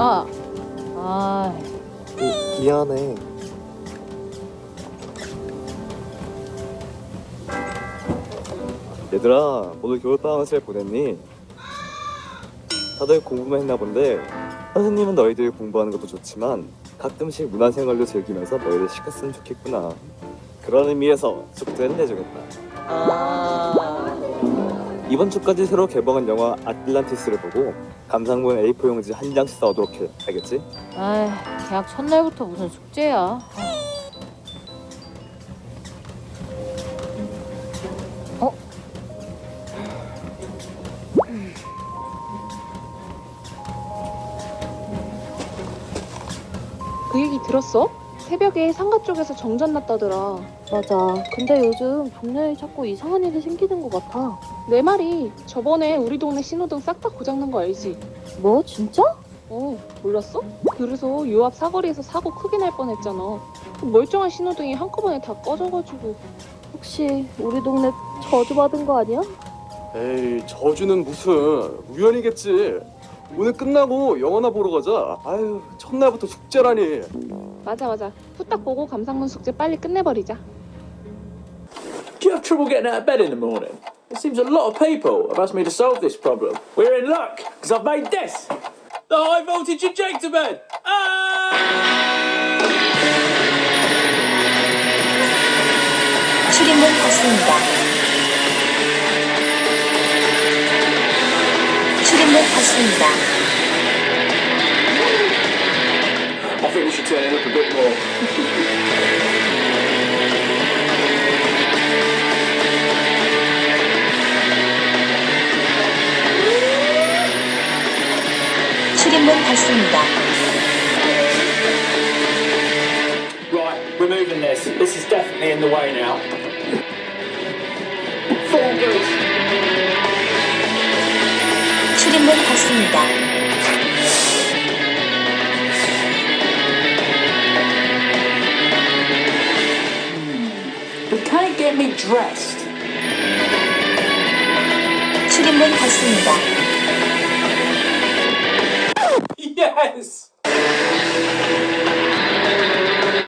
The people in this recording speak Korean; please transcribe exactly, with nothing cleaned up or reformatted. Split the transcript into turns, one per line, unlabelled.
아, 아,
미, 미안해. 얘들아, 오늘 겨울방학 잘 보냈니? 다들 공부만 했나 본데 선생님은 너희들이 공부하는 것도 좋지만 가끔씩 문화생활도 즐기면서 너희들 시켰으면 좋겠구나. 그런 의미에서 숙제는 내주겠다.
아,
이번 주까지 새로 개봉한 영화 아틀란티스를 보고 감상문 에이 사 용지 한 장씩 써오도록 해. 알겠지?
아, 계약 첫날부터 무슨 숙제야? 어?
그 얘기 들었어? 새벽에 상가 쪽에서 정전 났다더라.
맞아. 근데 요즘 동네에 자꾸 이상한 일이 생기는 것 같아.
내 말이 저번에 우리 동네 신호등 싹 다 고장난 거 알지?
뭐? 진짜?
어, 몰랐어? 그래서 요 앞 사거리에서 사고 크게 날 뻔했잖아. 그 멀쩡한 신호등이 한꺼번에 다 꺼져가지고.
혹시 우리 동네 저주받은 거 아니야?
에이, 저주는 무슨 우연이겠지. 오늘 끝나고 영화나 보러 가자. 아유, 첫날부터 숙제라니.
맞아 맞아. 후딱 보고 감상문 숙제 빨리 끝내버리자.
Do you have trouble getting out of bed in the morning? It seems a lot of people have asked me to solve this problem. We're in luck, because I've made this! The high voltage injector bed! Ah!
출입문 닫습니다. 출입문 닫습니다.
I think we should turn it up a bit more.
출입문 닫습니다.
Right, we're moving this. This is definitely in the way now. Four good.
출입문 닫습니다.
But can it get me dressed?
출입문 닫습니다.
Yes!